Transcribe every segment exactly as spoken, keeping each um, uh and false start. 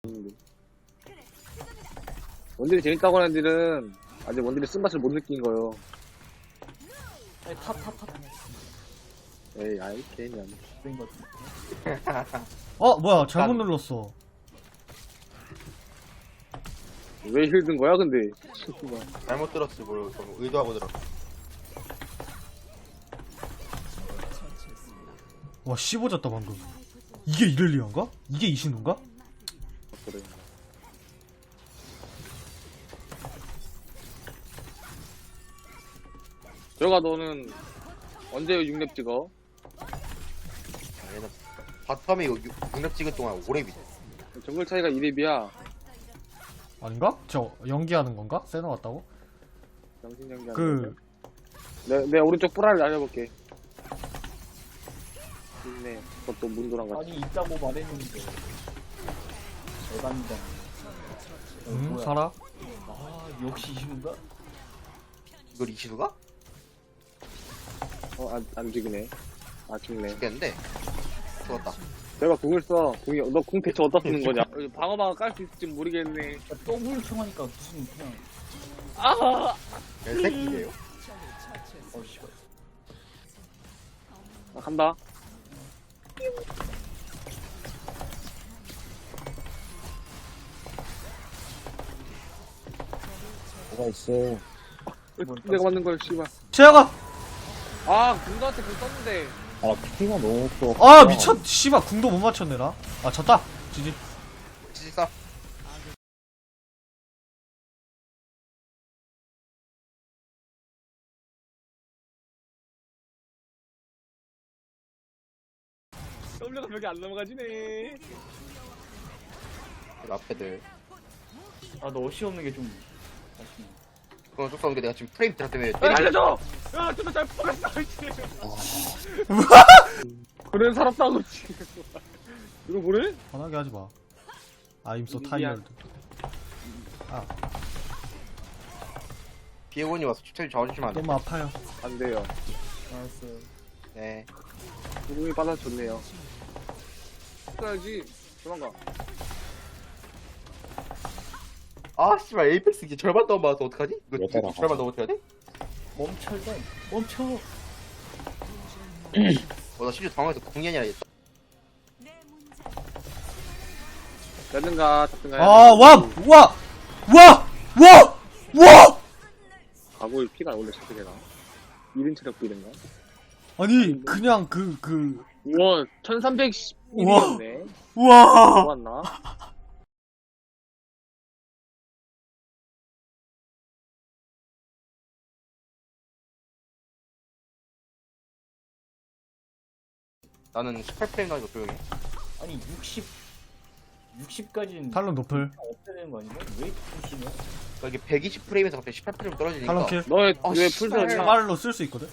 원딜이 재밌다고 하는 애들은 아직 원딜이 쓴맛을 못 느낀 거요. 탑탑탑 에이 아이 개념. 그런 거 같은데. 어 뭐야 잘못 눌렀어. 왜 힐든 거야 근데? 잘못 들었지 뭘 의도하고 들었어. 와 씹어졌다 방금. 이게 이렐리아인가? 이게 이신우인가? 그래. 들어가 너는 언제 육 렙 찍어? 얘는 바텀에 육렙 찍은 동안 오래 비대. 정글 차이가 이 렙이야. 아닌가? 저 연기하는 건가? 세나 왔다고? 정신 연기 그 내, 내 오른쪽 뿌라를 날려볼게. 있네. 그것도 문도랑 같이. 아니 있다고 말했는데. 대단이다. 응? 살아? 아 역시 이신가? 이걸 이시두가? 어, 안, 안 죽이네. 아, 죽네. 죽겠는데. 죽었다. 내가 궁을 써. 궁이, 너 궁 대체 어디다 쓰는 거냐? 방어방어 깔 수 있을지 모르겠네. 더블 통하니까 무슨 그냥 아! 개새끼예요. 어 씨발. 나 간다. 뭐가 있어? 내가 맞는 걸, 씨발. 재혁아! 아, 궁도한테 궁 썼는데. 아, 피가 너무 없어. 아 미쳤 씨발 궁도 못 맞췄네 나. 아 졌다. 지지. 치직사. W 벽이 안 넘어가지네. 앞에들. 아너 어시 없는 게 좀 아쉽네. 그건 어쩔 수 없는 게 내가 지금 프레임 드랍 때문에 야, 때리고 알려줘! 야, 진짜 잘 뽑았다, 그치? 그래, 살았다고, 지금. 이거 뭐래? 편하게 하지 마. I'm so 미안. tired. 비에곤이 와서 추천이 잡아주시면 안 돼. 너무 아파요. 안 돼요. 알았어요. 네. 구름이 받아줬네요. 써야지. 도망가. 아 씨발 에이펙스 이제 절반 넘어봐서 어떡하지? 이거 왜 이거 따라가? 절반 넘어져야 돼? 멈춰다. 멈춰. 어나 심지어 당황해서 궁이 아니라 했다. 야든가, 잡든가. 아 와! 와! 와! 와! 와! 가구의 피가 원래 저렇게 되나? 일 인 체력 비인가? 아니 그냥 그 그 우와, 천삼백십 우와. 일이었네. 우와! 좋았나? 나는 십팔 프레임 나니까 조용히 해. 아니 육십 육십까지는 탈론 노플. 없애야 되는 거 아닌가? 왜 이렇게 심해? 그러니까 이게 백이십 프레임에서 갑자기 십팔 프레임 떨어지니까 탈론 킬. 너의, 어, 왜 씨발. 풀서냐? 자말로 쓸 수 있거든.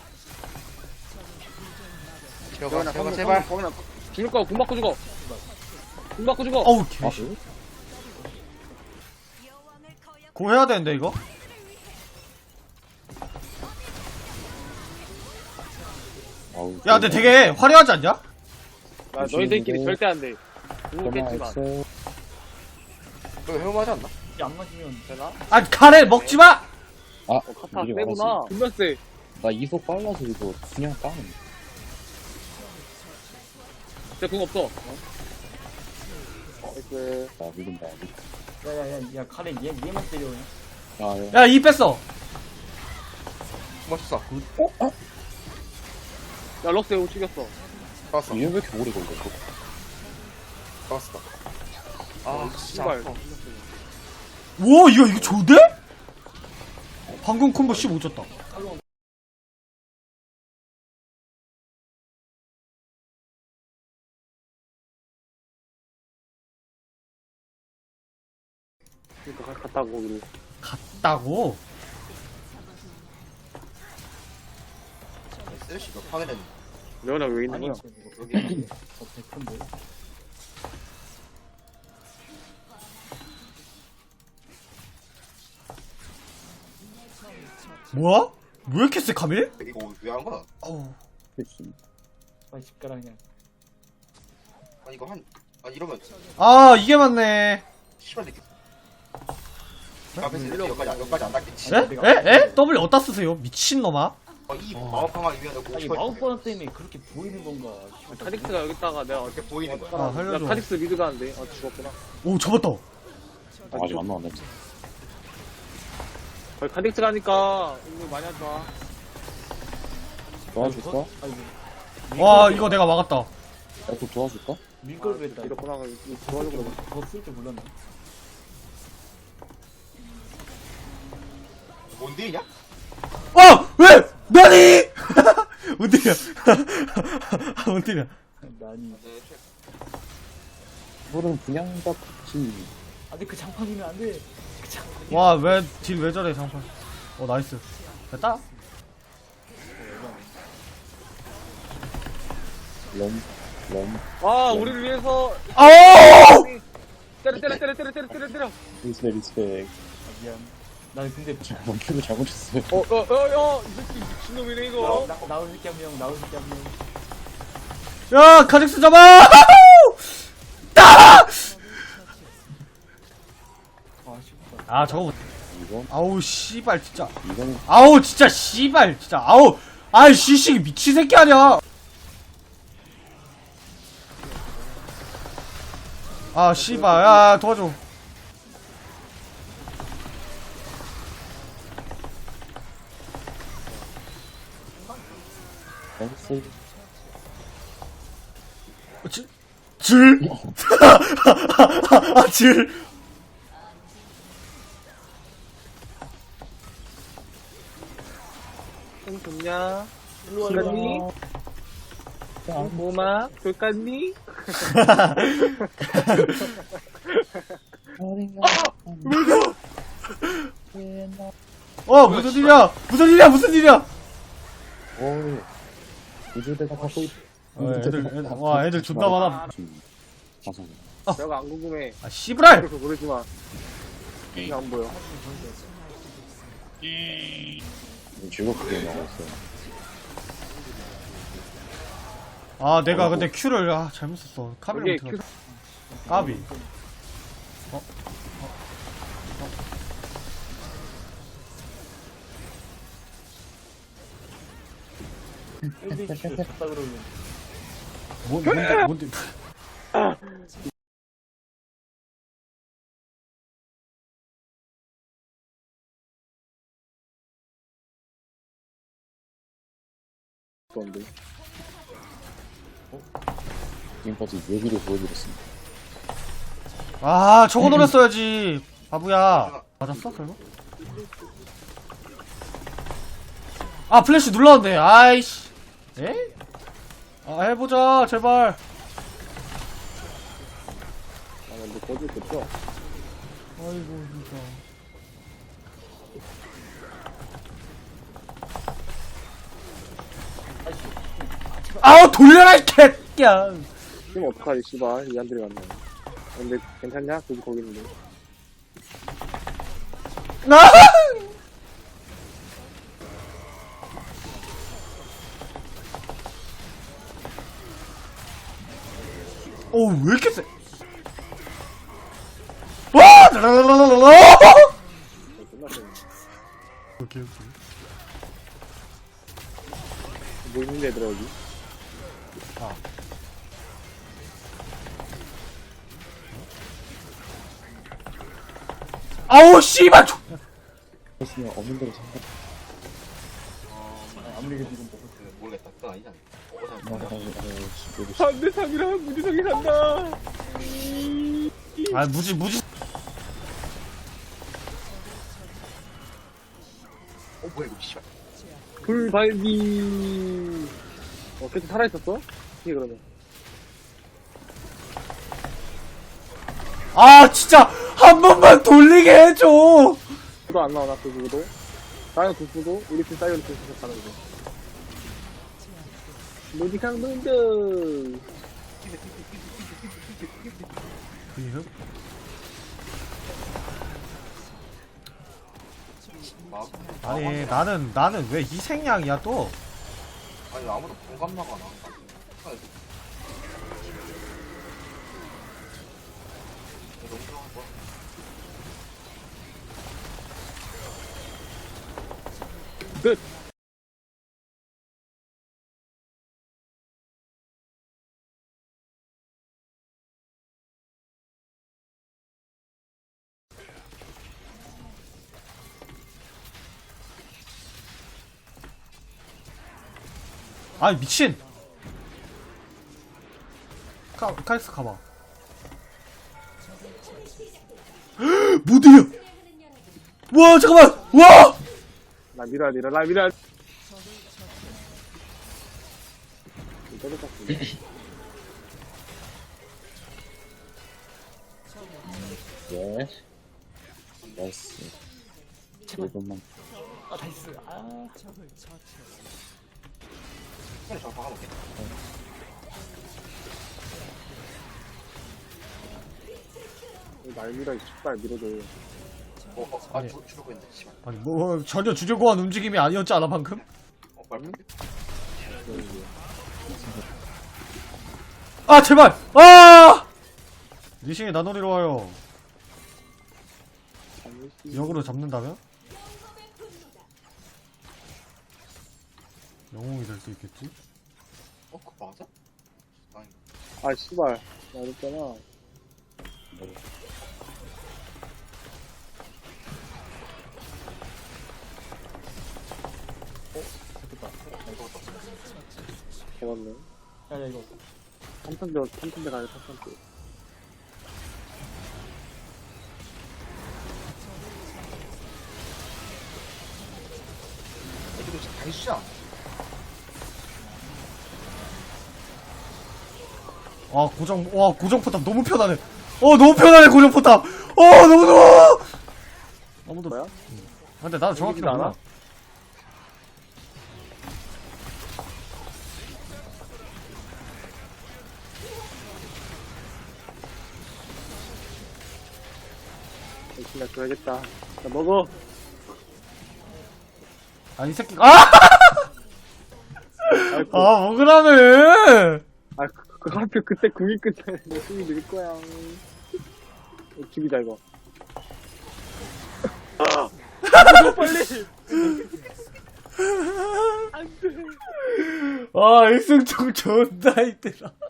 제발 제발 제발. 죽을 거야, 궁 맞고 죽어. 궁 맞고 죽어. 어우 아, 개씨. 고 해야 되는데 이거? 아우, 야 근데 되게 화려하지 않냐? 나 너희들끼리 절대 안 돼. 궁겠지만. 있어. 이거 해볼만하지 않나? 이게 안 맞으면 되나? 아 카레 먹지 마! 아, 어, 카타 미리 세구나. 말하지. 존나 세. 나 이속 빨라서 이거 그냥 빵. 쟤궁 없어. 어? 나이스. 나 믿는다. 야야야 야 카레 얘 얘만 때려 그냥. 아, 야. 야 이 뺐어. 멋있어. 야, 럭스 이거 죽였어. 잡았어. 이게 왜 이렇게 오래 걸려? 이거? 잡았어. 아 진짜 씨발. 아파. 우와 이거 이거 좋은데? 방금 콤보 십오 줬다. 그니까 갔다 거기로. 갔다고? 쓰레쉬 너 파괴된. 레오나 왜 있는 아니 거야? 저 이거 여기 어 백인데. 뭐야? 왜 이렇게 세 카밀? 이거 왜 한 거야? 어우. 그치. 빨리 집 가라 그냥. 아니 이거 한. 아 이러면 아 이게 맞네. 씨발 새끼. 앞에서 이렇게 여기까지 안- 여기까지 안 닿겠지. 에? 에? 에? W 어디다 쓰세요? 미친놈아. 어, 이 마법방아 위에 놓고 아니 마법 번호 때문에 그렇게 보이는 건가? 씨발, 카딕스가 여기다가 내가 이렇게 보이는 거야. 아, 살려줘. 야, 카딕스 미드 가는데. 아, 죽었구나. 오, 잡았다. 아, 아직 안 나왔네. 거의 카딕스 가니까 운동 많이 하지 마. 도와줄까? 아니 와, 이거 내가 막았다. 나도 도와줄까? 밀걸 했다. 이렇구나. 이거 도와주고 그러고. 그거 쓸 줄 몰랐네. 뭔 일이냐? 어! 왜! 나니! 뭔일이야? 뭔일이야? 아니. 이거는 그냥 잡지. 아 근데 그 장판이면 안 돼. 그 장판. 와, 왜, 딜 왜 저래, 장판. 어, 나이스. 됐다? 럼, 럼, 아, 우리를 위해서. 아오! 때려, 때려, 때려, 때려, 때려, 때려, 때려. 리스펙, 리스펙. 아, 미안. 나는 근데 멈추고 잘못했어요. 어, 어, 어, 어, 이 새끼 미친놈이네, 이거. 나, 나, 나올 새끼 한 명, 나올 새끼 한 명. 야, 카직스 잡아! 따라! 아 쉽다. 아, 저거, 못- 이건, 아우, 씨발, 진짜. 이거는 아우, 진짜, 씨발, 진짜. 아우, 아이, 씨씨, 미친 새끼 아니야. 아, 씨발, 야, 도와줘. 댄스. 어, 질, 질? 아, 질. 형 좋냐? 일로 와, 그러니? 일로 와. 뭐마? 돌깠니? 어, 무슨 일이야? 무슨 일이야? 무슨 일이야? 어이. 우주대가 갖고 있, 어, 애들, 애들, 와, 애들 존나 많아. 가서. 내가 안 궁금해. 아, 씨부랄! 그래서 모르지 마. 이게 안 보여. 즐겁게 나왔어요. 아, 내가 근데 Q를, 아, 잘못 썼어. 카비를 이게 못해. 까비. 어? 일대 큐 쳤다 그러면. 뭔, 뭔데, 뭔데. 그런데. 지금까지 얘기를 보여드렸습니다. 아, 저거 노렸어야지. 바보야. 맞았어, 설마? 아, 플래시 눌렀는데. 아이씨. 에? 아, 해보자, 제발. 아, 근데 거짓 됐죠? 아이고, 진짜. 아우, 돌려라, 이 개야. 지금 어떡하지, 씨발. 이 안들이 갔네. 근데 괜찮냐? 거기 거기 있는데. 나! 오, 왜 이렇게 세? 와! 라라라라라! 끝났어. 오케이, 오케이. 뭐 있는데, 얘들아, 여기? 아. 아우, 씨발! 조- 했으면 없는 대로 생각. 아무리 그래도 이건 먹을 그, 모르겠다. 그건 아니잖아. 어, 아, 나- 아, 아, 여기 반대상이랑 무지성이 산다. 아, 무지, 무지. 어, 뭐야, 이거, 씨발. 불발기. 어, 계속 살아있었어? 이게 그러면. 아, 진짜! 한 번만 돌리게 해줘! 구도 안 나오나, 그 구도? 나는 그 구도, 우리 팀 사이언 그 구도 가는 거. 무지강 동들. 막, 아니, 나는, 나는 왜 희생양이야, 또? 아니, 아무도 공감 나가나. 아, 이거 너무 들어갈 거야. 끝. 아이 미친. 카, 카이스 가봐. 못이야. 와 잠깐만. 와. 나 밀어야 밀어 나 밀어야 예. 나이스. 이것만. 아 나이스. 아 그래 저 박아볼게. 날 밀어 이 씨발 밀어줘. 어, 어, 아, 주, 주려고 했는데, 씨발. 아니 뭐 전혀 주제고한 움직임이 아니었지 않아 방금? 어, 말문데? 아 제발. 아. 리신이 나노리로 와요. 역으로 잡는다면? 영웅이 될 수 있겠지? 어, 그거 맞아? 아니, 아 씨발 나 그랬잖아. 개맞네. 야야 이거. 삼천대 삼천대 가야 삼천대. 애들도 진짜 다 있지 않아? 아 고정 와 고정 포탑 너무 편하네. 어 너무 편하네 고정 포탑. 어 너무 좋아. 아무도 뭐야? 응. 아, 근데 나도 정확히 보이지도 몰라. 않아? 역시 나 줘야겠다. 나 먹어. 아 이 새끼 아! 아이고. 아 먹으라며. 아, 그, 그 하필 그때 궁이 끝에 내 숨이 늘 거야. 어, 죽이자, 이거. 아! 빨리! 아 일승총 존나 힘들어.